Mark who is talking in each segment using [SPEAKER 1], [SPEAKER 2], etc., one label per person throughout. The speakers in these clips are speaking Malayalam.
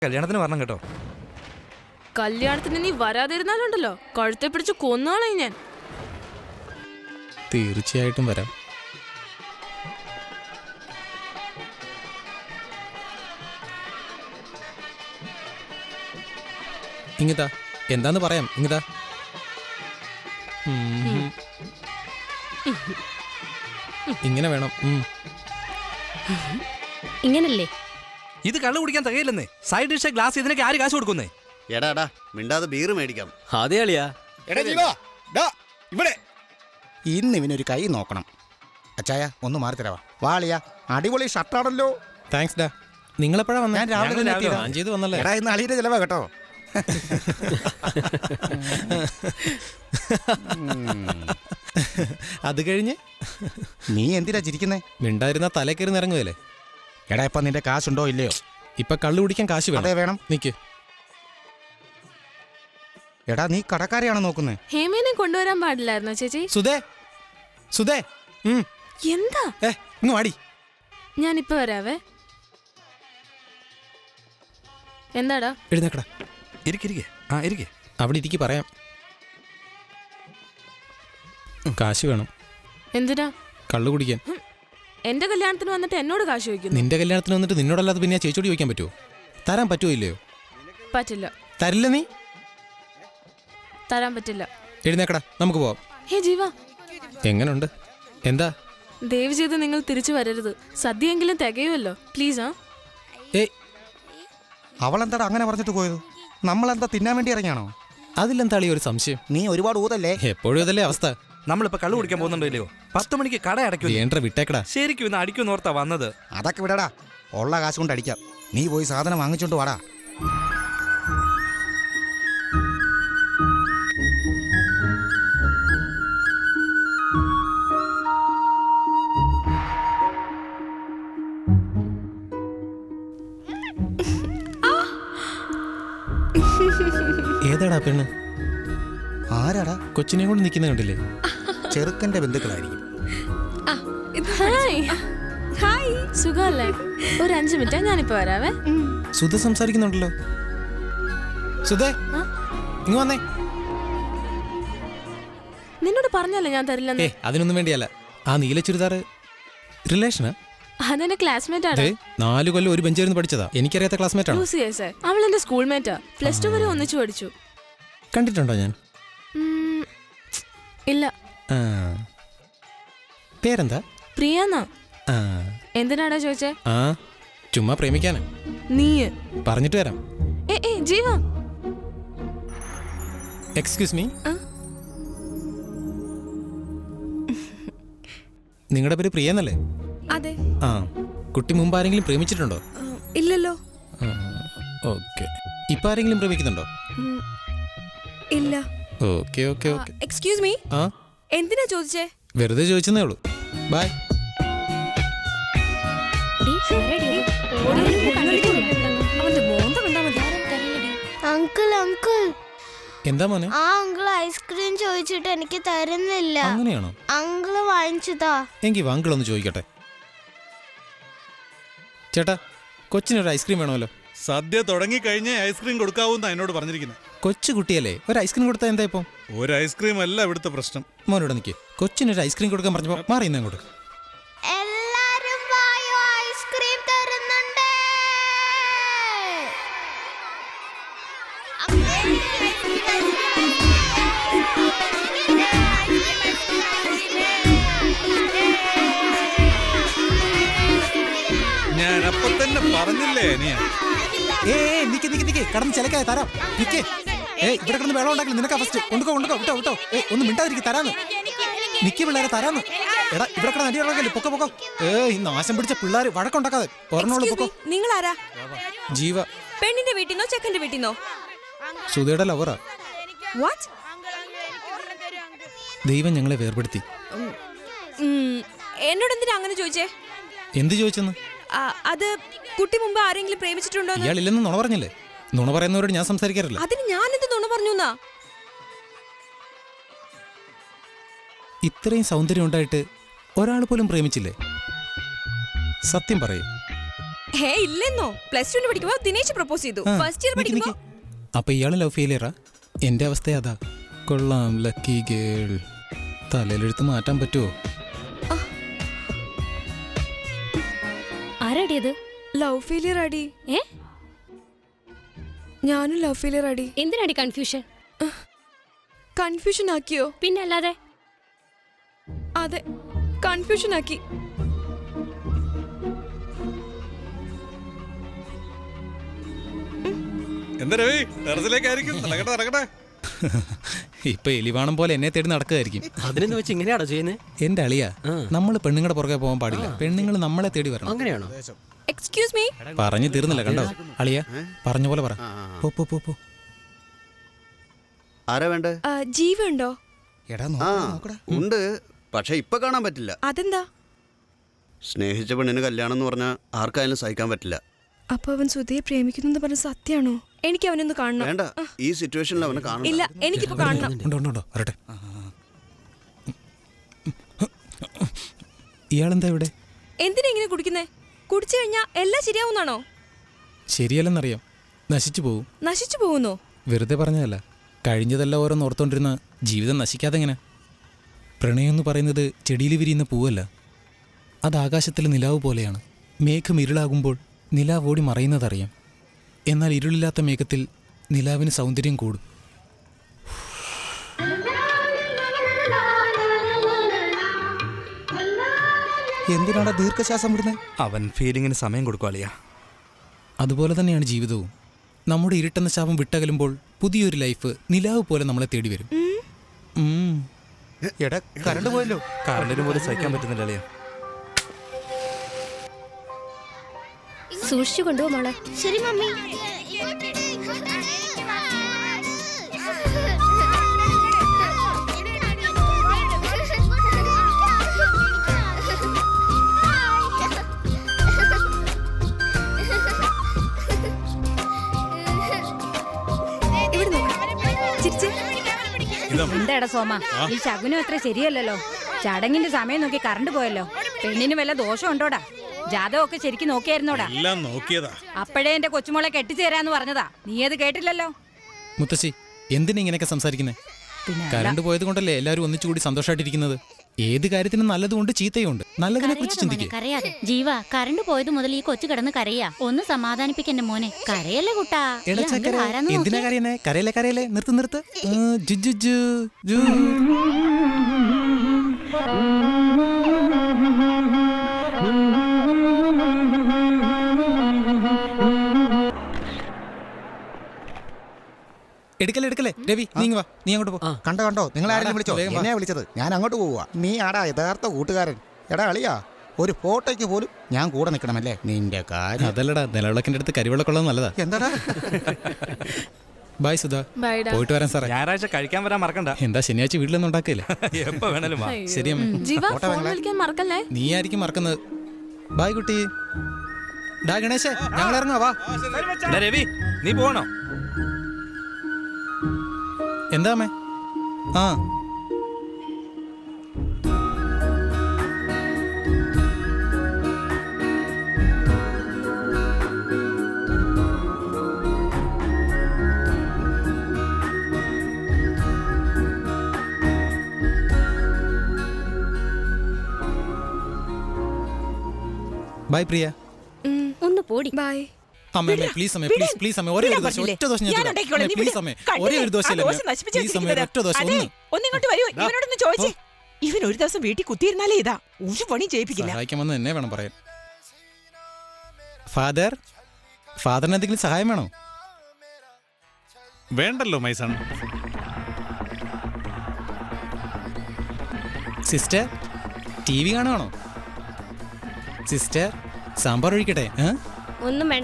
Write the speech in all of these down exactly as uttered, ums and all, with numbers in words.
[SPEAKER 1] കല്യാണത്തിന് വരണം കേട്ടോ.
[SPEAKER 2] കല്യാണത്തിന് നീ വരാതിരുന്നാലുണ്ടല്ലോ കഴുത്തെ പിടിച്ച് കൊന്നാളെ ഞാൻ.
[SPEAKER 3] തീർച്ചയായിട്ടും വരാം. ഇങ്ങതാ എന്താന്ന് പറയാം. ഇങ്ങതാ ഇങ്ങനെ വേണം.
[SPEAKER 2] ഇങ്ങനല്ലേ?
[SPEAKER 1] ഇത് കള്ളു കുടിക്കാൻ തികയില്ലെന്നേ. സൈഡ് ഡിഷ് ഗ്ലാസ് ഇതിനൊക്കെ ആര് കാശ് കൊടുക്കുന്നേ?
[SPEAKER 4] എടാ മിണ്ടാതെ ബീർ മേടിക്കാം.
[SPEAKER 5] അതെ അളിയാ.
[SPEAKER 6] ഇവിടെ ഇന്ന് ഇവനൊരു കൈ നോക്കണം. അച്ചായ ഒന്ന് മാറി തരാവാ. വാളിയാ അടിപൊളി ഷർട്ടാണല്ലോ.
[SPEAKER 3] താങ്ക്സ് ഡാ. നിങ്ങളെപ്പോഴാ വന്നേ?
[SPEAKER 6] ഞാൻ രാവിലെ
[SPEAKER 3] ചെയ്ത് വന്നല്ലേ.
[SPEAKER 6] എടാ ഇന്ന് അളിയുടെ ചെലവാ കേട്ടോ.
[SPEAKER 3] അത് കഴിഞ്ഞ്
[SPEAKER 6] നീ എന്തിനാ ചിരിക്കുന്നേ?
[SPEAKER 3] മിണ്ടായിരുന്ന തലേ കയറി നിറങ്ങുകയല്ലേ.
[SPEAKER 6] എടാ ഇപ്പൊ നിന്റെ കാശുണ്ടോ ഇല്ലയോ?
[SPEAKER 3] ഇപ്പൊ കള്ളു കുടിക്കാൻ കാശ് വേണം.
[SPEAKER 6] അതെ വേണം.
[SPEAKER 3] നിക്ക്.
[SPEAKER 6] എടാ നീ കടക്കാരെയാണോ നോക്കുന്നത്?
[SPEAKER 2] ഹേമേനെ കൊണ്ടുവരാൻ പാടില്ലായിരുന്നോ ചേച്ചി?
[SPEAKER 3] സുധേ സുധേ
[SPEAKER 2] എന്താ?
[SPEAKER 3] ഏ ഇങ്ങ് വാടി.
[SPEAKER 2] ഞാനിപ്പോ വരാവേ. എന്താടാ?
[SPEAKER 3] എഴുന്നേക്കടാ.
[SPEAKER 1] ഇരിക്കിരിക്കെ. ആ ഇരിക്കെ.
[SPEAKER 3] അവിടെ ഇരിക്കി പറയാം. കാശ് വേണം.
[SPEAKER 2] എന്തിനാ?
[SPEAKER 3] കള്ളു കുടിക്കാൻ.
[SPEAKER 2] എന്റെ കല്യാണത്തിന് വന്നിട്ട് എന്നോട് കാശ് ചോദിക്കുന്നു.
[SPEAKER 3] നിന്റെ കല്യാണത്തിന് വന്നിട്ട് നിന്നോടല്ലാതെ പിന്നെ ചേച്ചോട് ചോദിക്കാൻ പറ്റുമോ? തരാൻ പറ്റുമോ ഇല്ലയോ?
[SPEAKER 2] പറ്റില്ല.
[SPEAKER 3] തരില്ല. നീ
[SPEAKER 2] തരാൻ പറ്റില്ല.
[SPEAKER 3] എഴുന്നേക്കടാ, നമുക്ക് പോവാം.
[SPEAKER 2] ഹേ ജീവ,
[SPEAKER 3] എങ്ങനുണ്ട്? എന്താ?
[SPEAKER 2] ദയവ് ചെയ്ത് നിങ്ങൾ തിരിച്ചു വരരുത്. സദ്യയെങ്കിലും തികയുമല്ലോ പ്ലീസ്. ആ
[SPEAKER 3] ഏയ്
[SPEAKER 6] അവളെന്താടാ അങ്ങനെ പറഞ്ഞിട്ട് പോയത്? നമ്മളെന്താ തിന്നാൻ വേണ്ടി ഇറങ്ങിയാണോ?
[SPEAKER 3] അതിലെന്താ ഒരു സംശയം?
[SPEAKER 6] നീ ഒരുപാട് ഊതല്ലേ.
[SPEAKER 3] എപ്പോഴും ഇതല്ലേ അവസ്ഥ.
[SPEAKER 1] നമ്മളിപ്പോ കള്ളു കുടിക്കാൻ പോകുന്നുണ്ടോ ഇല്ലയോ? പത്ത് മണിക്ക് കട അടയ്ക്കും.
[SPEAKER 3] വേണ്ട വിട്ടേക്കടാ.
[SPEAKER 1] ശരിക്കും ഇന്ന് അടിക്കും ഓർത്താ വന്നത്.
[SPEAKER 6] അതൊക്കെ വിടടാ, ഉള്ള കാശ് കൊണ്ട് അടിക്കാം. നീ പോയി സാധനം വാങ്ങിച്ചോണ്ട് വാടാ.
[SPEAKER 3] ഏതാടാ പെണ്ണ്?
[SPEAKER 6] ആരാടാ?
[SPEAKER 3] കൊച്ചിനെ കൊണ്ട് നിൽക്കുന്ന കണ്ടില്ലേ?
[SPEAKER 6] ചെറുക്കന്റെ ബന്ധുക്കളായിരിക്കും.
[SPEAKER 2] സുഖല്ലേ? ഒരു അഞ്ചു മിനിറ്റ് ഞാനിപ്പോ വരാവേ.
[SPEAKER 3] സുധ സംസാരിക്കുന്നുണ്ടല്ലോ. സുധേ ഇങ്ങ് വന്നേ.
[SPEAKER 2] നിന്നോട് പറഞ്ഞല്ലേ ഞാൻ തരില്ലെന്ന്.
[SPEAKER 3] ഏ അതിനൊന്നും വേണ്ടിയല്ല. ആ നീല ചുരിദാറ് റിലേഷനാ?
[SPEAKER 2] അതെന്റെ ക്ലാസ്മേറ്റ് ആണ്.
[SPEAKER 3] നാലു കൊല്ലം ഒരു ബെഞ്ചിരുന്ന് പഠിച്ചതാ. എനിക്കറിയാത്ത ക്ലാസ്മേറ്റ് ആണ്.
[SPEAKER 2] അവൾ എന്റെ സ്കൂൾ മേറ്റാ. പ്ലസ് ടു വരെ ഒന്നിച്ചു പഠിച്ചു.
[SPEAKER 3] കണ്ടിട്ടുണ്ടോ ഞാൻ?
[SPEAKER 2] ഇല്ല.
[SPEAKER 3] പേരെന്താ?
[SPEAKER 2] പ്രിയാന്നാ. എന്തിനാടാ ചോദിച്ചേ?
[SPEAKER 3] ആ ചുമ്മാ പ്രേമിക്കാനാ.
[SPEAKER 2] നീ
[SPEAKER 3] പറഞ്ഞിട്ട് വരാം.
[SPEAKER 2] ഏ ഏ ജീവ,
[SPEAKER 3] എക്സ്ക്യൂസ് മീ. നിങ്ങളുടെ പേര് പ്രിയെന്നല്ലേ?
[SPEAKER 7] അതെ.
[SPEAKER 3] ആ കുട്ടി മുമ്പ് ആരെങ്കിലും പ്രേമിച്ചിട്ടുണ്ടോ?
[SPEAKER 7] ഇല്ലല്ലോ.
[SPEAKER 3] ഓക്കെ. ഇപ്പൊ ആരെങ്കിലും പ്രേമിക്കുന്നുണ്ടോ?
[SPEAKER 7] ഇല്ല.
[SPEAKER 3] Okay okay okay.
[SPEAKER 7] Excuse me.
[SPEAKER 3] ആ
[SPEAKER 7] എന്തിനാ ചോദിച്ചേ?
[SPEAKER 3] വെറുതെ ചോദിച്ചെന്നേ ഉള്ളൂ. ബൈ.
[SPEAKER 8] അങ്കിൾ അങ്കിൾ
[SPEAKER 3] എന്താ മോനെ?
[SPEAKER 8] ആ അങ്കിൾ ഐസ്ക്രീം ചോദിച്ചിട്ട് എനിക്ക് തരുന്നില്ല.
[SPEAKER 3] അങ്ങനെയാണോ?
[SPEAKER 8] അങ്കിള് വാങ്ങിച്ചതാ.
[SPEAKER 3] എങ്കിൽ അങ്കിൾ ഒന്ന് ചോദിക്കട്ടെ. ചേട്ടാ കൊച്ചിനൊരു ഐസ്ക്രീം വേണമല്ലോ.
[SPEAKER 9] സദ്യ തുടങ്ങി കഴിഞ്ഞേ ഐസ്ക്രീം കൊടുക്കാവൂന്നാ എന്നോട് പറഞ്ഞിരിക്കുന്നത്.
[SPEAKER 3] കൊച്ചു കുട്ടിയല്ലേ, ഒരു ഐസ്ക്രീം കൊടുത്താൽ എന്താ ഇപ്പം?
[SPEAKER 9] ഒരു ഐസ്ക്രീം അല്ല ഇവിടുത്തെ പ്രശ്നം.
[SPEAKER 3] മോനോട് നിൽക്കേ. കൊച്ചിനൊരു ഐസ്ക്രീം കൊടുക്കാൻ പറഞ്ഞപ്പോ മാറിയുന്ന അങ്ങോട്ട്.
[SPEAKER 8] എല്ലാരും വായോ, ഐസ്ക്രീം തരുന്നുണ്ട്.
[SPEAKER 9] ഞാൻ അപ്പൊ തന്നെ പറഞ്ഞില്ലേ അനിയ.
[SPEAKER 3] ഏ നിക്ക് നിക്ക് നിക്ക് കടന്ന് ചിലക്കാതെ തരാം. നിക്കേ. ഏ ഇവിടെ കിടന്ന് വെള്ളം ഉണ്ടാക്കില്ല. നിനക്കാ ഫസ്റ്റ്. കൊണ്ടുക്കോ കൊണ്ടുക്കോ വിട്ടോ വിട്ടോ. ഏ ഒന്ന് മിണ്ടാതിരിക്കും. തരാന്ന് നിക്ക് പിള്ളേരെ തരാന്ന്. എടാ ഇവിടെ കിടന്ന് അടി ഉണ്ടാക്കല്ലേ. പൊക്കോ പൊക്കോ. ഏ ഈ നാശം പിടിച്ച പിള്ളേർ വഴക്കുണ്ടാക്കാതെ ഒരെണ്ണോളൂ പൊക്കോ.
[SPEAKER 7] നിങ്ങൾ ആരാ?
[SPEAKER 3] ജീവ.
[SPEAKER 7] പെണ്ണിന്റെ വീട്ടിന്നോ ചെക്കന്റെ വീട്ടിന്നോ?
[SPEAKER 3] സുധയുടെ ലവറാ.
[SPEAKER 7] വാട്ട്?
[SPEAKER 3] ദൈവം ഞങ്ങളെ വേർപെടുത്തി.
[SPEAKER 7] എന്നോട് എന്തിനാ അങ്ങനെ ചോദിച്ചേ?
[SPEAKER 3] എന്ത് ചോദിച്ചെന്ന്?
[SPEAKER 7] അത് കുട്ടി മുമ്പ് ആരെങ്കിലും പ്രേമിച്ചിട്ടുണ്ടോ?
[SPEAKER 3] ഇയാളില്ലെന്ന് നുണ പറഞ്ഞില്ലേ? നുണ പറയുന്നവരോട് ഞാൻ സംസാരിക്കാറില്ല.
[SPEAKER 7] അതിന് ഞാൻ എന്ത് നുണ പറഞ്ഞു?
[SPEAKER 3] ഇത്രയും സൗന്ദര്യം ഉണ്ടായിട്ട് ഒരാൾ പോലും പ്രേമിച്ചില്ലേ? സത്യം പറയൂ.
[SPEAKER 7] ഹേ ഇല്ലെന്നോ. പ്ലസ് ടുവിന് പഠിക്കുമ്പോ ദിനേശ് പ്രപ്പോസ് ചെയ്തു.
[SPEAKER 3] ആ,
[SPEAKER 7] ഫസ്റ്റ് ഇയർ
[SPEAKER 3] നിക്ക്,
[SPEAKER 7] പഠിക്കുമ്പോ
[SPEAKER 3] നിക്ക്. അപ്പൊ ഇയാള് ലവ് ഫെയിലിയറാ? എന്റെ അവസ്ഥ അതാ. കൊള്ളാം ലക്കി ഗേൾ. തലയിലെടുത്ത് മാറ്റാൻ പറ്റുമോ?
[SPEAKER 5] ആരാടിയത്?
[SPEAKER 7] ലവ് ഫെയിലിയർ അടി.
[SPEAKER 5] ഏ
[SPEAKER 7] ഞാനും ലവ് ഫെയിലിയർ അടി.
[SPEAKER 5] എന്തിനാടി കൺഫ്യൂഷൻ?
[SPEAKER 7] കൺഫ്യൂഷൻ ആക്കിയോ?
[SPEAKER 5] പിന്നെ അല്ലാതെ.
[SPEAKER 7] അതെ, കൺഫ്യൂഷൻ ആക്കി.
[SPEAKER 9] എന്താ രവി ടെറസിലേക്കായിരിക്കും നടക്കട്ടെ നടക്കട്ടെ.
[SPEAKER 3] ഇപ്പൊ എലിവാണം പോലെ എന്നെ തേടി നടക്കുകയായിരിക്കും.
[SPEAKER 10] അതിനെന്ന് വെച്ച് ഇങ്ങനെയാണോ ചെയ്യുന്നത്?
[SPEAKER 3] എന്റെ അളിയാ, നമ്മൾ പെണ്ണുങ്ങളുടെ പുറകെ പോകാൻ പാടില്ല. പെണ്ണുങ്ങൾ നമ്മളെ തേടി വരണം.
[SPEAKER 10] അങ്ങനെയാണോ?
[SPEAKER 7] Excuse me.
[SPEAKER 3] പറഞ്ഞു തീർന്നില്ല കണ്ടോ? അളിയാ പറഞ്ഞ പോലെ പറ. പോ പോ പോ പോ.
[SPEAKER 4] ആരാ വേണ്ടേ?
[SPEAKER 7] ജീവ ഉണ്ടോ?
[SPEAKER 6] എടാ
[SPEAKER 4] ആ
[SPEAKER 6] നോക്കടാ, നോക്കടാ.
[SPEAKER 4] ഉണ്ട്, പക്ഷെ ഇപ്പൊ കാണാൻ പറ്റില്ല.
[SPEAKER 7] അതെന്താ?
[SPEAKER 4] സ്നേഹിച്ച പെണ്ണിന് കല്യാണം എന്ന് പറഞ്ഞാൽ ആർക്കായാലും സഹിക്കാൻ പറ്റില്ല.
[SPEAKER 7] അപ്പൊ അവൻ സുധയെ പ്രേമിക്കുന്നു പറഞ്ഞ സത്യാണോ? എനിക്ക് അവനൊന്ന് കാണണം.
[SPEAKER 4] വേണ്ട, ഈ സിറ്റുവേഷനിൽ അവനെ കാണണം.
[SPEAKER 7] ഇല്ല, എനിക്കിപ്പോ കാണണം.
[SPEAKER 3] ഉണ്ടോ ഉണ്ടോ ഉണ്ടോ വരട്ടെ. ഇയാളെന്താ ഇവിടെ?
[SPEAKER 7] എന്തിനാ ഇങ്ങനെ കുടിക്കുന്നേ? കുടിച്ചു കഴിഞ്ഞാ എല്ലാം ശരിയാവുന്നാണോ?
[SPEAKER 3] ശരിയല്ലെന്നറിയാം, നശിച്ചു പോവും.
[SPEAKER 7] നശിച്ചു പോകുന്നോ?
[SPEAKER 3] വെറുതെ പറഞ്ഞതല്ല. കഴിഞ്ഞതെല്ലാം ഓരോന്ന് ഓർത്തോണ്ടിരുന്ന ജീവിതം നശിക്കാതെ എങ്ങനെ? പ്രണയം എന്ന് പറയുന്നത് ചെടിയിൽ വിരിയുന്ന പൂവല്ല, അത് ആകാശത്തിലെ നിലാവ് പോലെയാണ്. മേഘം ഇരുളാകുമ്പോൾ നിലാവ് ഓടി മറയുന്നതറിയാം. എന്നാൽ ഇരുളില്ലാത്ത മേഘത്തിൽ നിലാവിന് സൗന്ദര്യം കൂടും.
[SPEAKER 6] എന്തിനാടാ ദീർഘശ്വാസം വിടുന്നത്?
[SPEAKER 1] അവൻ ഫീലിങ്ങിന് സമയം കൊടുക്കുവാളിയാ.
[SPEAKER 3] അതുപോലെ തന്നെയാണ് ജീവിതവും. നമ്മുടെ ഇരുട്ടെന്ന ശാപം വിട്ടകലുമ്പോൾ പുതിയൊരു ലൈഫ് നിലാവ് പോലെ നമ്മളെ തേടി വരും. ഉം.
[SPEAKER 6] എടാ കറണ്ട് പോയല്ലോ.
[SPEAKER 1] കാറിന് പോലും സഹിക്കാൻ പറ്റുന്നില്ല അളിയാ.
[SPEAKER 5] സൂക്ഷിച്ചു കൊണ്ടുപോ മോളെ.
[SPEAKER 8] ശരി മമ്മി.
[SPEAKER 7] ഇവിടെ നോക്ക്. ചിരിച്ച്.
[SPEAKER 5] എന്താടാ സോമ, ഈ ശകുനം അത്ര ശരിയല്ലല്ലോ. ചടങ്ങിന്റെ സമയം നോക്കി കറണ്ട് പോയല്ലോ. പെണ്ണിന് വല്ല ദോഷം ഉണ്ടോടാ? ജാതകമൊക്കെ ശരിക്കും നോക്കിയായിരുന്നോടാ?
[SPEAKER 9] എല്ലാം നോക്കിയതാ.
[SPEAKER 5] അപ്പോഴേ എന്റെ കൊച്ചുമോളെ കെട്ടിച്ചേരാന്ന് പറഞ്ഞതാ. നീ അത് കേട്ടില്ലല്ലോ.
[SPEAKER 3] മുത്തശ്ശി എന്തിനാ ഇങ്ങനെയൊക്കെ സംസാരിക്കുന്നത്? കറണ്ട് പോയത് കൊണ്ടല്ലേ എല്ലാവരും ഒന്നിച്ചുകൂടി സന്തോഷമായിട്ടിരിക്കുന്നത്. ഏത് കാര്യത്തിനും നല്ലതുകൊണ്ട് ചീത്തയുണ്ട്. നല്ലതിനെ കുറിച്ച് ചിന്തിക്കുക.
[SPEAKER 5] കരയാതെ ജീവ, കറണ്ട് പോയത് മുതൽ ഈ കൊച്ചു കിടന്ന് കരയാ. ഒന്ന് സമാധാനിപ്പിക്കന്നെ മോനെ. കരയല്ലേ കുട്ടാ.
[SPEAKER 3] എടാ ചക്കര, എന്തിനാ കരയുന്നേ? കരയല്ലേ കരയല്ലേ, നിർത്ത് നിർത്ത്. ആ, ജു, ജു, ജു, ജു. എടുക്കല്ലേ എടുക്കല്ലേ രവി, നീങ്ങ വാ, നീ അങ്ങോട്ട് പോ.
[SPEAKER 6] കണ്ടോ കണ്ടോ, നിങ്ങൾ ആരെങ്കിലും വിളിച്ചോ?
[SPEAKER 3] വേഗം വാ.
[SPEAKER 6] എന്നെയാ വിളിച്ചത്. ഞാൻ അങ്ങോട്ട് പോവുക. നീ ആടാ യഥാർത്ഥ കൂട്ടുകാരൻ. എടാ അളിയാ, ഒരു ഫോട്ടോയ്ക്ക് പോലും ഞാൻ കൂടെ നിൽക്കണമല്ലേ? നിന്റെ കാര്യം
[SPEAKER 3] അതല്ലടാ, നിലവിളക്കിന്റെ അടുത്ത് കരിവിളക്കുള്ളത് നല്ലതാ.
[SPEAKER 6] എന്താടാ?
[SPEAKER 3] ബായ് സുധാ,
[SPEAKER 2] ബൈഡാ.
[SPEAKER 3] പോയിട്ട് വരാൻ സാറേ.
[SPEAKER 1] ഞായറാഴ്ച കഴിക്കാൻ വരാൻ മറക്കണ്ട.
[SPEAKER 3] എന്താ ശനിയാഴ്ച വീട്ടിലൊന്നും ഉണ്ടാക്കില്ലേ?
[SPEAKER 1] എപ്പോ വേണേലും വാ.
[SPEAKER 3] ശരി അമ്മ.
[SPEAKER 2] ജീവ ഫോൺ വിളിക്കാൻ മറക്കല്ലേ.
[SPEAKER 3] നീ ആയിരിക്കും മറക്കുന്നത്. ബായ് കുട്ടി. ഡാ ഗണേശേ, ഞങ്ങൾ ഇറങ്ങുവാ, വാ.
[SPEAKER 1] എടാ രവി, നീ പോകണോ?
[SPEAKER 3] എന്താ അമ്മേ? ആ ബൈ പ്രിയ.
[SPEAKER 5] ഒന്ന് പോടി.
[SPEAKER 7] ബൈ.
[SPEAKER 3] അമ്മേ അമ്മേ പ്ലീസ് അമ്മേ പ്ലീസ് പ്ലീസ് അമ്മേ ഒരേ ഒരു ദോശ ഒറ്റ ദോശ ഞാൻ തരാം. പ്ലീസ് അമ്മേ ഒരേ ഒരു ദോശ അല്ലേ പ്ലീസ് അമ്മേ ഒറ്റ ദോശ ഒന്ന്
[SPEAKER 11] ഒന്നിങ്ങോട്ട് വരൂ. ഇവനോടൊന്ന് ചോദിച്ചേ. ഇവൻ ഒരു ദിവസം വീട്ടിൽ കുത്തിയിരുന്നാലേ ഇതാ ഒരു പണി ചെയ്യിപ്പിക്കില്ല.
[SPEAKER 3] സഹായിക്കാൻ വന്ന് എന്നെ വേണം പറയാൻ. ഫാദർ, ഫാദറിന് എന്തെങ്കിലും സഹായം വേണോ?
[SPEAKER 9] വേണ്ടല്ലോ മൈസൺ.
[SPEAKER 3] സിസ്റ്റർ, ടി വി കാണുവാണോ? സിസ്റ്റർ, സാമ്പാർ ഒഴിക്കട്ടെ?
[SPEAKER 5] ഒന്നും വേണ്ട.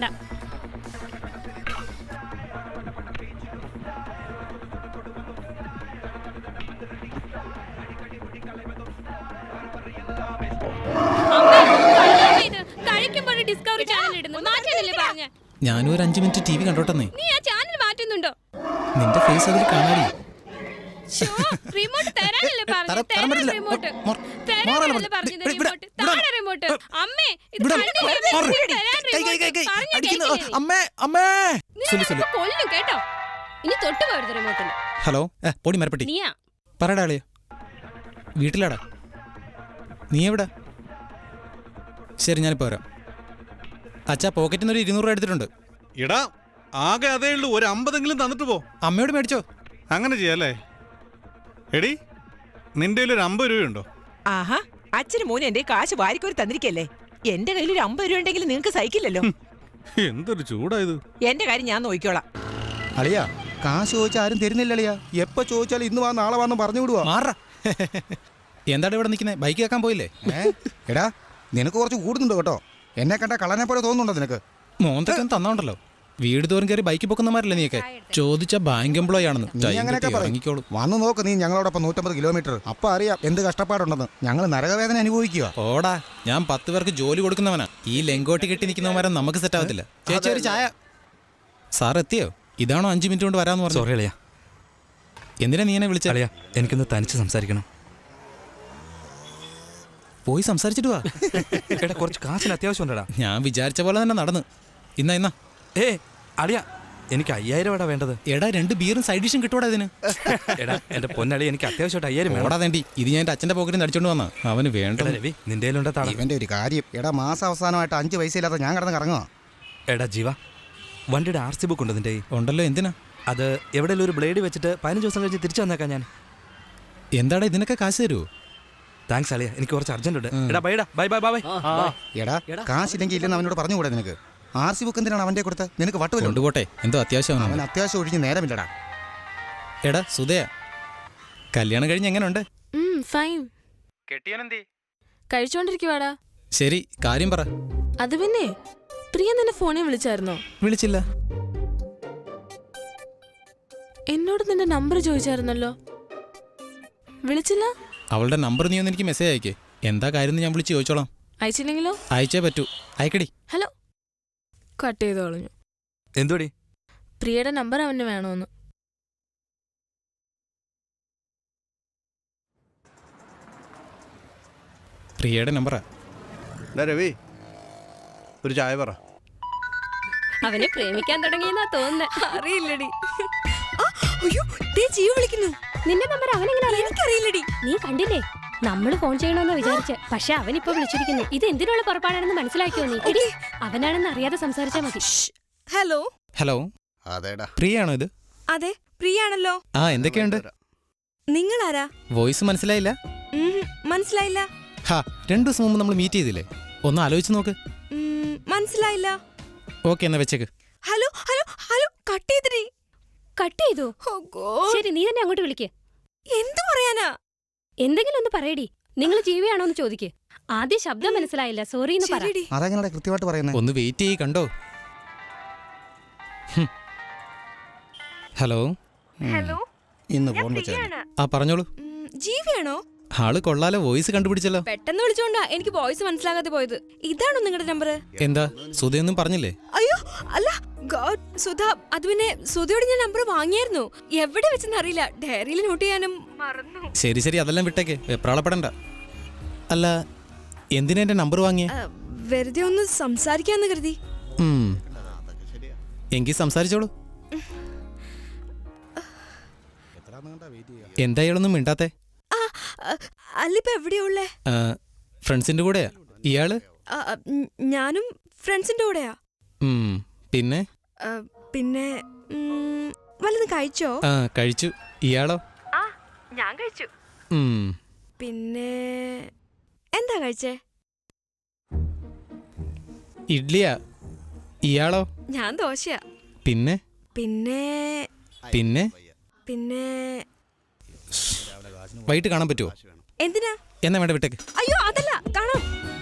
[SPEAKER 3] ഞാനും ഒരു അഞ്ചു മിനിറ്റ് ടി വി കണ്ടോട്ടെന്നേ.
[SPEAKER 5] നീ ആ ചാനൽ മാറ്റുന്നുണ്ടോ?
[SPEAKER 3] നിന്റെ ഫേസ് അതിൽ കാണാടി.
[SPEAKER 2] റിമോട്ട് തരാനല്ലേ
[SPEAKER 3] തരാൻ-
[SPEAKER 2] പറഞ്ഞത്?
[SPEAKER 3] തരാൻ പറ്റില്ല.
[SPEAKER 2] റിമോട്ട്.
[SPEAKER 3] മോർ-
[SPEAKER 2] തരാനല്ലേ
[SPEAKER 3] മോറല്ലേ
[SPEAKER 2] പറഞ്ഞത്
[SPEAKER 3] ഇവിടെ- ഇവിടെ-
[SPEAKER 2] റിമോട്ട്? താഴെ റിമോട്ട്. അമ്മേ, ഇത്
[SPEAKER 3] ഇവിടെ-
[SPEAKER 2] കണ്ടില്ലേ?
[SPEAKER 3] മോർ-
[SPEAKER 2] തരാൻ
[SPEAKER 3] കൈ, കൈ, കൈ, കൈ.
[SPEAKER 2] റിമോട്ട്. പറഞ്ഞാ
[SPEAKER 3] അടിക്കുന്നു.
[SPEAKER 2] കേൾക്കില്ലേ?
[SPEAKER 3] അമ്മേ അമ്മേ
[SPEAKER 2] നീ
[SPEAKER 3] സുലു, സുലു.
[SPEAKER 2] ഇപ്പൊ കൊല്ലും കേട്ടോ. ഇനി തൊട്ട് പോരുത് റിമോട്ടിൽ.
[SPEAKER 3] ഹലോ ഏ, പൊടി മരപ്പെട്ടി
[SPEAKER 2] നീയാ
[SPEAKER 3] പറയടാ അളിയ വീട്ടിലാടാ നീ എവിടെ ശരി ഞാനിപ്പോ വരാം അച്ഛാ പോക്കറ്റിൽ നിന്ന് ഒരു ഇരുന്നൂറ് രൂപ എടുത്തിട്ടുണ്ട്
[SPEAKER 9] എടാ ആകെ അതേ ഉള്ളൂ ഒരു അമ്പതെങ്കിലും തന്നിട്ട് പോ.
[SPEAKER 3] അമ്മയോട് മേടിച്ചോ
[SPEAKER 9] അങ്ങനെ ചെയ്യാല്ലേ? എടി നിന്റെ കയ്യിൽ ഒരു അമ്പത് രൂപയുണ്ടോ?
[SPEAKER 11] ആഹാ അച്ഛനും മോനും എന്റെ കാശ് വാരിക്കോരി തന്നിരിക്കല്ലേ. എന്റെ കയ്യിൽ ഒരു അമ്പത് രൂപ ഉണ്ടെങ്കിൽ നിങ്ങൾക്ക് സഹിക്കില്ലല്ലോ.
[SPEAKER 9] എന്തൊരു ചൂടായത്.
[SPEAKER 11] എന്റെ കാര്യം ഞാൻ നോക്കിക്കോളാം.
[SPEAKER 6] അളിയാ കാശ് ചോദിച്ചാൽ ആരും തരുന്നില്ല അളിയാ. എപ്പോ ചോദിച്ചാലും ഇന്ന് വാ നാളെ വാന്ന് പറഞ്ഞു വിടുവാ.
[SPEAKER 3] മാറാ എന്താണ് ഇവിടെ നിൽക്കുന്നത്? ബൈക്ക് കേൾക്കാൻ പോയില്ലേ?
[SPEAKER 6] ഏ? എടാ നിനക്ക് കുറച്ച് കൂടുന്നുണ്ട് കേട്ടോ. എന്നെ കണ്ട കള്ളനെ പോലെ തോന്നുന്നുണ്ടോ നിനക്ക്?
[SPEAKER 3] മോന്തൊക്കെ തന്നോണ്ടല്ലോ. വീട് തോറും കയറി ബൈക്ക് പൊക്കുന്നമാരല്ലേ നീയൊക്കെ? ചോദിച്ച ബാങ്ക് എംപ്ലോയി ആണെന്ന്.
[SPEAKER 6] നീ അങ്ങനെയൊക്കെ പറയും.
[SPEAKER 3] ഇറങ്ങിക്കോളൂ.
[SPEAKER 6] വന്ന് നോക്ക് നീ ഞങ്ങളോടൊപ്പം നൂറ്റമ്പത് കിലോമീറ്റർ. അപ്പൊ അറിയാം എന്ത് കഷ്ടപ്പാടുണ്ടെന്ന്. ഞങ്ങൾ നരകവേദന അനുഭവിക്കുക.
[SPEAKER 3] ഓടാ ഞാൻ പത്ത് പേർക്ക് ജോലി കൊടുക്കുന്നവനാ. ഈ ലെങ്കോട്ടി കെട്ടി നിൽക്കുന്നവന്മാരെ നമുക്ക് സെറ്റ് ആവത്തില്ല. ചേച്ചി ഒരു ചായ. സാർ എത്തിയോ? ഇതാണോ അഞ്ചു മിനിറ്റ് കൊണ്ട് വരാന്ന് പറഞ്ഞു?
[SPEAKER 1] സോറി അളിയ.
[SPEAKER 3] എന്തിനാ നീ എന്നെ വിളിച്ച?
[SPEAKER 1] അളിയ എനിക്കൊന്ന് തനിച്ച് സംസാരിക്കണം.
[SPEAKER 3] പോയി സംസാരിച്ചിട്ട് വാ.
[SPEAKER 1] എടാ കുറച്ച് കാശിന് അത്യാവശ്യം ഉണ്ടടാ.
[SPEAKER 3] ഞാൻ വിചാരിച്ച പോലെ തന്നെ നടന്ന്. ഇന്നാ ഇന്നാ
[SPEAKER 1] ഏ അളിയ എനിക്ക് അയ്യായിരം എടാ വേണ്ടത്.
[SPEAKER 3] എടാ രണ്ട് ബീറും സൈഡ് ഡിഷും കിട്ടൂടാ ഇതിന്.
[SPEAKER 1] എടാ എന്റെ പൊന്നളി എനിക്ക് അത്യാവശ്യമായിട്ട് അയ്യായിരം വേണം.
[SPEAKER 3] ഓടാ തേണ്ടി. ഇത് ഞാൻ എന്റെ അച്ഛന്റെ പോക്കറ്റിൽ നിന്ന് അടിച്ചോണ്ട് വന്നാ. അവന് വേണ്ട.
[SPEAKER 1] എടാ രവി നിന്റെ കയ്യിലുണ്ടാ താളം.
[SPEAKER 6] ഇവന്റെ ഒരു കാര്യം. എടാ മാസം അവസാനമായിട്ട് അഞ്ച് പൈസ ഇല്ലാത്ത ഞാൻ കിടന്ന് കറങ്ങുക.
[SPEAKER 1] എടാ ജീവ വണ്ടിയുടെ ആർ സി ബുക്ക് ഉണ്ട് നിന്റെ കയ്യിൽ?
[SPEAKER 3] ഉണ്ടല്ലോ. എന്തിനാ?
[SPEAKER 1] അത് എവിടെയെങ്കിലും ഒരു ബ്ലേഡ് വെച്ചിട്ട് പതിനഞ്ച് ദിവസം കഴിഞ്ഞ് തിരിച്ചു വന്നേക്കാം ഞാൻ.
[SPEAKER 3] എന്താടാ ഇതിനൊക്കെ കാശ് തരുമോ?
[SPEAKER 1] താങ്ക്സ് അളിയ എനിക്ക് കുറച്ച് അർജന്റ് ഉണ്ട്. എടാ ബൈ ബൈ ബൈ ബൈ.
[SPEAKER 6] എടാ കാശില്ലെങ്കിൽ ഇല്ലെന്ന് അവനോട് പറഞ്ഞുകൂടെ നിനക്ക്? ആർ സി ബുക്ക് എന്തിനാണ് അവന്റെ കൊടുത്ത്? നിനക്ക് വട്ടുവല്ലോ.
[SPEAKER 3] കൊണ്ടുപോട്ടെ, എന്തോ അത്യാവശ്യം.
[SPEAKER 6] അവൻ അത്യാവശ്യം ഒഴിഞ്ഞ് നേരമില്ലടാ.
[SPEAKER 3] എടാ സുധയ കല്യാണം കഴിഞ്ഞ് എങ്ങനെയുണ്ട്?
[SPEAKER 2] ഫൈൻ.
[SPEAKER 3] കെട്ടിയനെന്തേ?
[SPEAKER 2] കഴിച്ചോണ്ടിരിക്കുവാടാ.
[SPEAKER 3] ശരി കാര്യം പറ.
[SPEAKER 2] അത് പിന്നെ പ്രിയ നിന്നെ ഫോണിൽ വിളിച്ചായിരുന്നോ?
[SPEAKER 3] വിളിച്ചില്ല.
[SPEAKER 2] എന്നോട് നിന്റെ നമ്പർ ചോദിച്ചായിരുന്നല്ലോ. വിളിച്ചില്ല?
[SPEAKER 3] അവളുടെ നമ്പർ നീ ഒന്ന് എനിക്ക് മെസ്സേജ് അയക്കേ. എന്താ കാര്യം ഞാൻ വിളിച്ച് ചോദിച്ചോളാം.
[SPEAKER 2] അയച്ചില്ലെങ്കിലോ?
[SPEAKER 3] അയച്ചേ പറ്റൂ. അയക്കടി.
[SPEAKER 2] ഹലോ. കട്ട് ചെയ്ത് കളഞ്ഞു.
[SPEAKER 1] എന്തുടി?
[SPEAKER 2] പ്രിയയുടെ നമ്പർ അവന് വേണോന്ന്.
[SPEAKER 3] പ്രിയയുടെ നമ്പറാ.
[SPEAKER 4] രവി ഒരു ചായ പറ.
[SPEAKER 2] അവനെ പ്രേമിക്കാൻ തുടങ്ങിയെന്നാ തോന്നുന്നേ.
[SPEAKER 7] അറിയില്ലടി. അയ്യോ ദേ ജീവ വിളിക്കുന്നു.
[SPEAKER 5] നിന്റെ നമ്പർ അവനെങ്ങനെ അറിയാം?
[SPEAKER 7] എനിക്കറിയില്ലടി.
[SPEAKER 5] നീ കണ്ടില്ലേ? നമ്മള് ഫോൺ ചെയ്യണമെന്ന് വിചാരിച്ച്, പക്ഷെ അവനിപ്പോ വിളിച്ചിരിക്കുന്നു. ഇത് എന്തിനുള്ള പുറപ്പാടാണെന്ന് മനസ്സിലാക്കിയോ നീ? എടി, അവനാണെന്ന് അറിയാതെ സംസാരിച്ചാ മതി.
[SPEAKER 7] ഹലോ.
[SPEAKER 3] ഹലോ
[SPEAKER 4] അതേടാ
[SPEAKER 3] പ്രിയാണോ ഇത്?
[SPEAKER 7] അതെ പ്രിയാണല്ലോ.
[SPEAKER 3] ആ എന്തൊക്കെയുണ്ട്?
[SPEAKER 7] നിങ്ങളാരാ?
[SPEAKER 3] വോയിസ് മനസ്സിലായില്ല?
[SPEAKER 7] ഉം, മനസ്സിലായില്ല.
[SPEAKER 3] ഹാ രണ്ടു ദിവസം മുമ്പ് നമ്മൾ മീറ്റ് ചെയ്തില്ലേ? ഒന്ന് ആലോചിച്ച് നോക്ക്.
[SPEAKER 7] ഉം, മനസ്സിലായില്ല.
[SPEAKER 3] ഓക്കെ എന്നാ വെച്ചേക്ക്.
[SPEAKER 7] ഹലോ ഹലോ ഹലോ കട്ട് ചെയ്തിരി.
[SPEAKER 5] കട്ട് ചെയ്തു. ശരി, നീ തന്നെ അങ്ങോട്ട് വിളിക്ക്.
[SPEAKER 7] എന്തു പറയാനാ?
[SPEAKER 5] എന്തെങ്കിലും ഒന്ന് പറയടി. നിങ്ങൾ ജീവിയാണോ എന്ന് ചോദിക്ക്. ആദ്യം ശബ്ദം മനസ്സിലായില്ല, സോറി എന്ന് പറ.
[SPEAKER 7] ശരിടി.
[SPEAKER 6] അതെങ്ങനെ കൃത്യമായിട്ട് പറയുന്നത്?
[SPEAKER 3] ഒന്ന് വെയിറ്റ് ചെയ്യ്. കണ്ടോ? ഹലോ.
[SPEAKER 7] ഹലോ.
[SPEAKER 6] ഇന്ന് ഫോൺ വെച്ചാൽ
[SPEAKER 3] ആ പറഞ്ഞോളൂ.
[SPEAKER 7] ഉം, ജീവയാണോ?
[SPEAKER 3] ആള് കൊള്ളാലോ, വോയിസ് കണ്ടുപിടിച്ചല്ലോ.
[SPEAKER 7] പെട്ടെന്ന് വിളിച്ചോണ്ടാ എനിക്ക് വോയിസ് മനസ്സിലാകാതെ പോയത്. ഇതാണോ നിങ്ങളുടെ നമ്പർ?
[SPEAKER 3] എന്താ സുധയൊന്നും പറഞ്ഞില്ലേ?
[SPEAKER 7] അയ്യോ അല്ല ഗോഡ് സുധ. അത് പിന്നെ സുധയോട് ഞാൻ നമ്പർ വാങ്ങിയായിരുന്നു. എവിടെ വെച്ചെന്ന് അറിയില്ല. ഡയറിയിൽ നോട്ട് ചെയ്യാനും മറന്നു.
[SPEAKER 3] ശരി ശരി അതെല്ലാം വിട്ടേക്ക്, വെപ്രാളപ്പെടണ്ട. അല്ല എന്തിനാ എന്റെ നമ്പർ വാങ്ങിയേ?
[SPEAKER 7] ആ, വെറുതെ ഒന്ന് സംസാരിക്കാന്ന് കരുതി.
[SPEAKER 3] ഉം. എങ്കിൽ സംസാരിച്ചോളൂ. എന്താ ഇയാളൊന്നും മിണ്ടാത്തെ?
[SPEAKER 7] ആ അല്ലിപ്പോ എവിടെയാ ഉള്ളേ?
[SPEAKER 3] ഫ്രണ്ട്സിന്റെ കൂടെയാ ഇയാള്?
[SPEAKER 7] ആ, ഉം, ഞാനും ഫ്രണ്ട്സിന്റെ കൂടെയാ.
[SPEAKER 3] ഉം. പിന്നെ
[SPEAKER 7] ആ, പിന്നെ ഉം, വല്ലതും കഴിച്ചോ?
[SPEAKER 3] ആ കഴിച്ചു. ഇയാളോ?
[SPEAKER 7] ആ ഞാൻ കഴിച്ചു.
[SPEAKER 3] ഉം.
[SPEAKER 7] പിന്നെ എന്താ കഴിച്ചേ?
[SPEAKER 3] ഇഡ്ലിയാ. ഇയാളോ?
[SPEAKER 7] ഞാൻ ദോശയാ.
[SPEAKER 3] പിന്നെ
[SPEAKER 7] പിന്നെ
[SPEAKER 3] പിന്നെ
[SPEAKER 7] പിന്നെ
[SPEAKER 3] വൈകിട്ട് കാണാൻ പറ്റുമോ?
[SPEAKER 7] എന്തിനാ?
[SPEAKER 3] എന്നാ വേണ്ട വിട്ടേക്ക്.
[SPEAKER 7] അയ്യോ അതല്ല, കാണാം.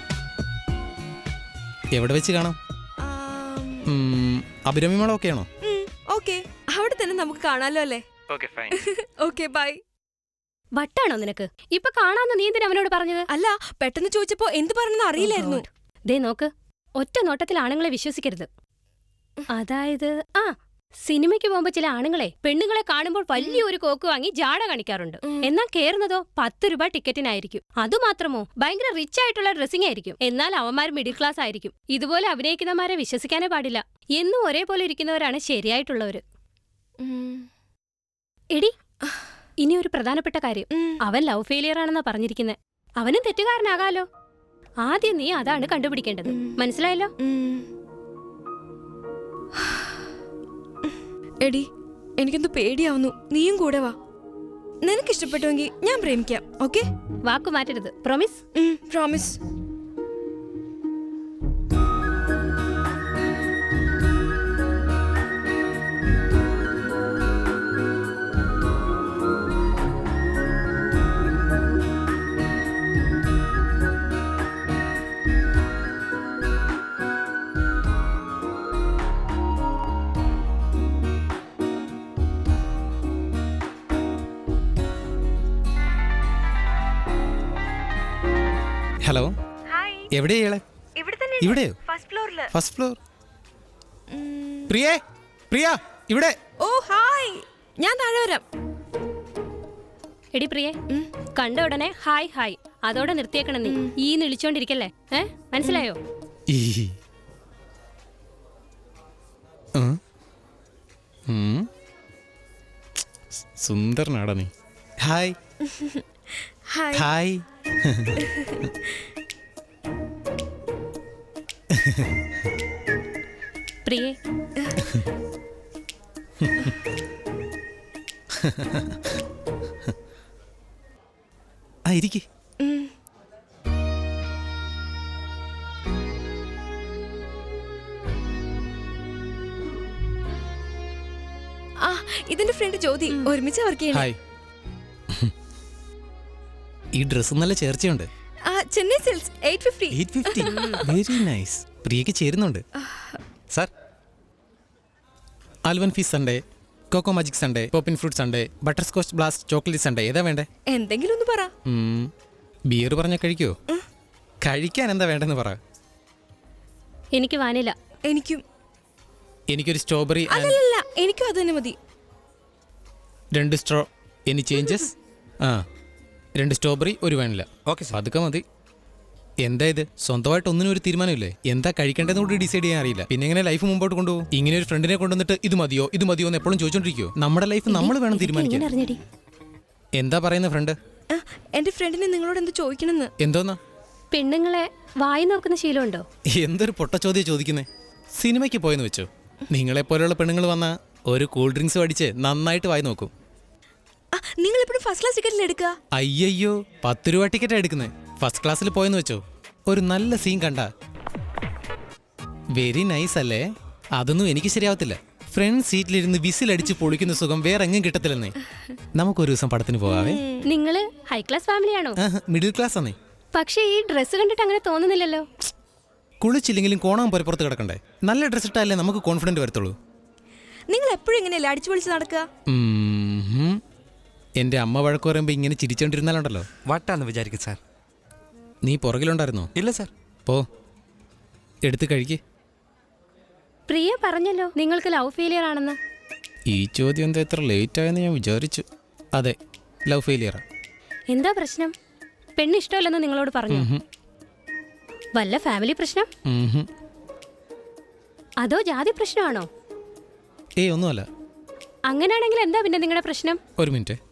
[SPEAKER 3] എവിടെ വെച്ച് കാണാം?
[SPEAKER 7] ആം,
[SPEAKER 3] ഉം, അഭിരാമി ഓക്കെ ആണോ?
[SPEAKER 7] ഉം, ഓക്കേ. അവിടെ തന്നെ നമുക്ക് കാണാലോ അല്ലേ? Okay bye.
[SPEAKER 5] വട്ടാണോ നിനക്ക്? ഇപ്പൊ കാണാന്ന് നീ എന്തിനാ അവനോട് പറഞ്ഞത്?
[SPEAKER 7] അല്ല പെട്ടെന്ന് ചോദിച്ചപ്പോ എന്ത് പറഞ്ഞെന്ന് അറിയില്ലായിരുന്നു.
[SPEAKER 5] ദേ നോക്ക്, ഒറ്റ നോട്ടത്തിൽ ആണുങ്ങളെ വിശ്വസിക്കരുത്. അതായത് ആ
[SPEAKER 10] സിനിമയ്ക്ക് പോകുമ്പോ ചില ആണുങ്ങളെ പെണ്ണുങ്ങളെ കാണുമ്പോൾ വലിയൊരു കോക്ക് വാങ്ങി ജാട കാണിക്കാറുണ്ട്. എന്നാൽ കേറുന്നതോ പത്ത് രൂപ ടിക്കറ്റിനായിരിക്കും. അതുമാത്രമോ ഭയങ്കര റിച്ച് ആയിട്ടുള്ള ഡ്രസ്സിംഗ് ആയിരിക്കും. എന്നാൽ അവന്മാർ മിഡിൽ ക്ലാസ് ആയിരിക്കും. ഇതുപോലെ അഭിനയിക്കുന്നവരെ വിശ്വസിക്കാനേ പാടില്ല. എന്നും ഒരേപോലെ ഇരിക്കുന്നവരാണ് ശരിയായിട്ടുള്ളവര്. എടി, ഇനി ഒരു പ്രധാനപ്പെട്ട കാര്യം. അവൻ ലവ് ഫെയിലിയർ ആണെന്നാ പറഞ്ഞിരിക്കുന്നത്. അവനും തെറ്റുകാരനാകാലോ. ആദ്യം നീ അതാണ് കണ്ടുപിടിക്കേണ്ടത്. മനസ്സിലായല്ലോ?
[SPEAKER 7] എടി, എനിക്കെന്തോ പേടിയാവുന്നു. നീയും കൂടെ വാ. നിനക്ക് ഇഷ്ടപ്പെട്ടുവെങ്കിൽ ഞാൻ പ്രേമിക്കാം. ഓക്കെ?
[SPEAKER 10] വാക്കു മാറ്റരുത്. പ്രോമിസ്?
[SPEAKER 7] പ്രോമിസ്.
[SPEAKER 3] ഹലോ, എവിടെയാ? ഇവിടെയോ? First floor. പ്രിയേ, പ്രിയ, ഇവിടെ.
[SPEAKER 7] ഓ ഹായ്, ഞാൻ താഴെ വരാം.
[SPEAKER 10] എടി പ്രിയേ, കണ്ട ഉടനെ ഹായ് ഹായ് അതോടെ നിർത്തിയേക്കണം. നീ ഈ വിളിച്ചോണ്ടിരിക്കല്ലേ? ഏ, മനസ്സിലായോ?
[SPEAKER 3] ഈ സുന്ദരനാടാ നീ. Hi hi.
[SPEAKER 10] പ്രിയേ,
[SPEAKER 3] ആ ഇരിക്ക്.
[SPEAKER 7] ആ, ഇതെന്റെ ഫ്രണ്ട് ജ്യോതി. ഒരുമിച്ച് വർക്ക് ചെയ്യണം.
[SPEAKER 3] ഹായ്. ഈ ഡ്രസ് നല്ല ചേർച്ചയുണ്ട്.
[SPEAKER 7] Chennai silks eight fifty.
[SPEAKER 3] Eight fifty. Very nice. പ്രിയക്ക് ചേരുന്നുണ്ട്. സാർ, ആൽവൻ ഫീസ് sundae, cocoa magic sundae, poppin fruit sundae, butter scotch blast chocolate sundae, ഏതാ വേണ്ടേ?
[SPEAKER 7] എന്തെങ്കിലും ഒന്ന് പറ.
[SPEAKER 3] ബിയർ പറഞ്ഞാൽ കഴിക്കോ? കഴിക്കാൻ എന്താ വേണ്ടെന്ന് പറ.
[SPEAKER 10] എനിക്ക് വാനില.
[SPEAKER 7] എനിക്കും.
[SPEAKER 3] എനിക്കൊരു സ്ട്രോബെറി.
[SPEAKER 7] അല്ലല്ല, എനിക്കും അത് തന്നെ മതി.
[SPEAKER 3] രണ്ട് സ്ട്രോ. Any changes? ആ, രണ്ട് സ്ട്രോബെറി, ഒരു വാനില. ഓക്കെ, അതൊക്കെ മതി. എന്താ ഇത്? സ്വന്തമായിട്ട് ഒന്നിനും ഒരു തീരുമാനമില്ലേ? എന്താ കഴിക്കേണ്ടതെന്ന് കൂടി ഡിസൈഡ് ചെയ്യാൻ അറിയില്ല. പിന്നെ എങ്ങനെ ലൈഫ് മുമ്പോട്ട് കൊണ്ടുപോകും? ഇങ്ങനെ ഒരു ഫ്രണ്ടിനെ കൊണ്ടുവന്നിട്ട് ഇത് മതിയോ ഇത് മതിയോ എന്ന് എപ്പോഴും ചോദിച്ചോണ്ടിരിക്കോ? നമ്മുടെ ലൈഫ് നമ്മൾ വേണം തീരുമാനിക്കാൻ. എന്താ പറയുന്ന ഫ്രണ്ട്?
[SPEAKER 7] എന്റെ ഫ്രണ്ടിനെ നിങ്ങളോട് എന്ത് ചോദിക്കണമെന്ന്.
[SPEAKER 3] എന്തോന്നാ?
[SPEAKER 10] പെണ്ണുങ്ങളെ വായി നോക്കുന്ന ശീലമുണ്ടോ?
[SPEAKER 3] എന്തൊരു പൊട്ട ചോദ്യം ചോദിക്കുന്നേ. സിനിമയ്ക്ക് പോയെന്ന് വെച്ചോ, നിങ്ങളെപ്പോലെയുള്ള പെണ്ണുങ്ങൾ വന്ന ഒരു കൂൾ ഡ്രിങ്ക്സ് അടിച്ച് നന്നായിട്ട് വായി നോക്കും.
[SPEAKER 7] നിങ്ങൾ എപ്പോഴും ഫസ്റ്റ് ക്ലാസ് ടിക്കറ്റിൽ എടുക്കുക?
[SPEAKER 3] അയ്യോ, പത്ത് രൂപ ടിക്കറ്റ് എടുക്കുന്നത്. ഫസ്റ്റ് ക്ലാസ്സിൽ പോയെന്ന് വെച്ചോ, ഒരു നല്ല സീൻ കണ്ട വെരി നൈസ് അല്ലേ? അതൊന്നും എനിക്ക് ശരിയാവത്തില്ല. ഫ്രണ്ട് സീറ്റിലിരുന്ന് വിസിലടിച്ച് പൊളിക്കുന്ന സുഖം വേറെ എങ്ങും കിട്ടത്തില്ലെന്നേ. നമുക്കൊരു ദിവസം പടത്തിന് പോകാവേ?
[SPEAKER 10] നിങ്ങള് ഹൈ ക്ലാസ് ഫാമിലിയാണോ?
[SPEAKER 3] മിഡിൽ ക്ലാസ് ആണേ.
[SPEAKER 10] പക്ഷേ ഈ ഡ്രസ്സ് കണ്ടിട്ട് അങ്ങനെ തോന്നുന്നില്ലല്ലോ.
[SPEAKER 3] കുളിച്ചില്ലെങ്കിലും കോണാൻ പുറത്ത് കിടക്കണ്ടേ? നല്ല ഡ്രസ് ഇട്ടാലേ നമുക്ക് കോൺഫിഡന്റ് വരത്തുള്ളൂ.
[SPEAKER 7] നിങ്ങൾ എപ്പോഴും ഇങ്ങനെയല്ലേ അടിച്ചു പൊളിച്ച് നടക്കുക?
[SPEAKER 3] എന്റെ അമ്മ വഴക്ക് പറയുമ്പോ ഇങ്ങനെ ചിരിച്ചോണ്ടിരുന്നാലുണ്ടല്ലോ.
[SPEAKER 1] വട്ടാന്ന് വിചാരിക്കും സാർ.
[SPEAKER 3] നീ പുറകിലുണ്ടായിരുന്നോ?
[SPEAKER 1] ഇല്ല സാർ.
[SPEAKER 3] പോ, എടുത്ത് കഴിക്ക്.
[SPEAKER 10] പ്രിയ പറഞ്ഞല്ലോ നിങ്ങൾക്ക് ലവ് ഫെയിലിയർ ആണെന്ന്.
[SPEAKER 3] ഈ ചോദ്യം എന്താ എത്ര ലേറ്റ് ആയെന്ന് ഞാൻ വിചാരിച്ചു. അതെ, ലവ് ഫെയിലിയറാ.
[SPEAKER 10] എന്താ പ്രശ്നം? പെണ്ണ് ഇഷ്ടമല്ലെന്ന് നിങ്ങളോട് പറഞ്ഞു? വല്ല ഫാമിലി പ്രശ്നം? അതോ ജാതി പ്രശ്നമാണോ?
[SPEAKER 3] ഏയ്, ഒന്നുമല്ല.
[SPEAKER 10] അങ്ങനെയാണെങ്കിൽ എന്താ പിന്നെ നിങ്ങളുടെ പ്രശ്നം?
[SPEAKER 3] ഒരു മിനിറ്റ്.